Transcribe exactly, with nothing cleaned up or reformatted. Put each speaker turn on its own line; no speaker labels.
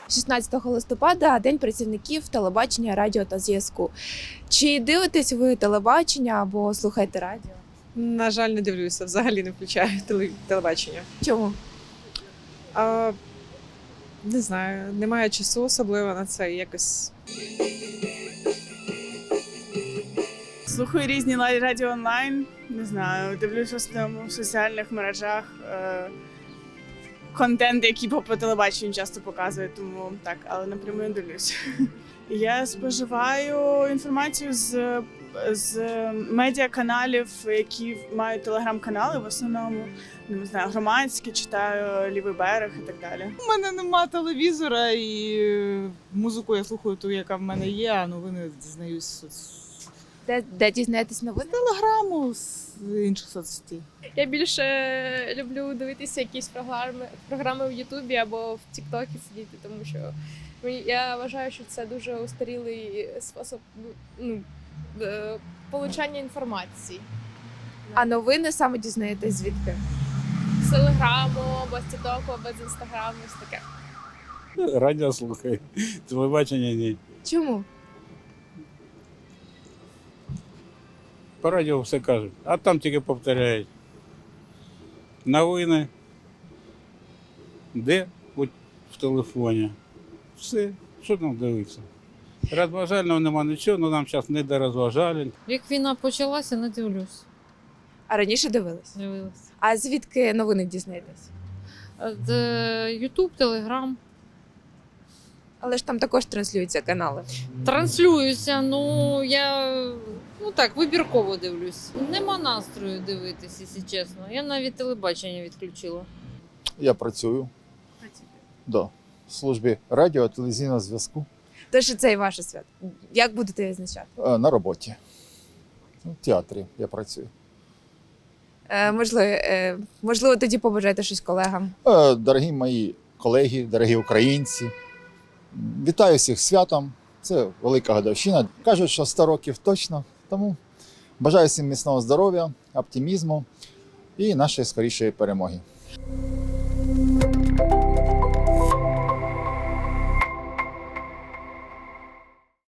шістнадцятого листопада – День працівників телебачення, радіо та зв'язку. Чи дивитесь ви телебачення або слухаєте радіо?
На жаль, не дивлюся, взагалі не включаю теле- телебачення.
Чому?
А, не знаю, немає часу особливо на це, якось.
Слухаю різні лай- радіо онлайн, не знаю, дивлюся в основному в соціальних мережах. Е- контент, який по по телебаченню часто показують, тому так, але напряму не дивлюся. Я споживаю інформацію з, з медіаканалів, які мають телеграм-канали в основному. Не знаю, громадські, читаю Лівий берег і так далі.
У мене нема телевізора і е, музику я слухаю ту, яка в мене є, а новини дізнаюсь з соц-
Де, де дізнаєтесь новини?
телеграму, з інших соцсетей.
Я більше люблю дивитися якісь програми, програми в Ютубі або в Тіктокі сидіти, тому що мені- я вважаю, що це дуже устарілий спосіб ну, е, получання інформації.
А новини саме дізнаєтесь звідки?
З Телеграму, або з Тіктоку, або з Інстаграму, ось таке.
Радіо слухаю, телебачення ні.
Чому?
По радіо все кажуть, а там тільки повторяють. Новини. Де? От в телефоні. Все. Що там дивитися? Розважального нема нічого, але нам зараз не до розважалень.
Як війна почалася, не дивлюсь.
А раніше дивились?
Дивилась.
А звідки новини дізнаєтесь?
Ютуб, Телеграм.
Але ж там також транслюються канали.
Транслююся, ну я ну так, вибірково дивлюсь. Нема настрою дивитись, якщо чесно. Я навіть телебачення відключила.
Я працюю. Да. В службі радіо, телевізійного зв'язку
Тож і це і ваше свято. Як будете відзначати?
Е, на роботі. В театрі я працюю.
Е, можливо, е, можливо, тоді побажаєте щось колегам.
Е, Дорогі мої колеги, дорогі українці, вітаю всіх з святом. Це велика годовщина. Кажуть, що сто років точно. Тому бажаю всім міцного здоров'я, оптимізму і нашої скорішої перемоги.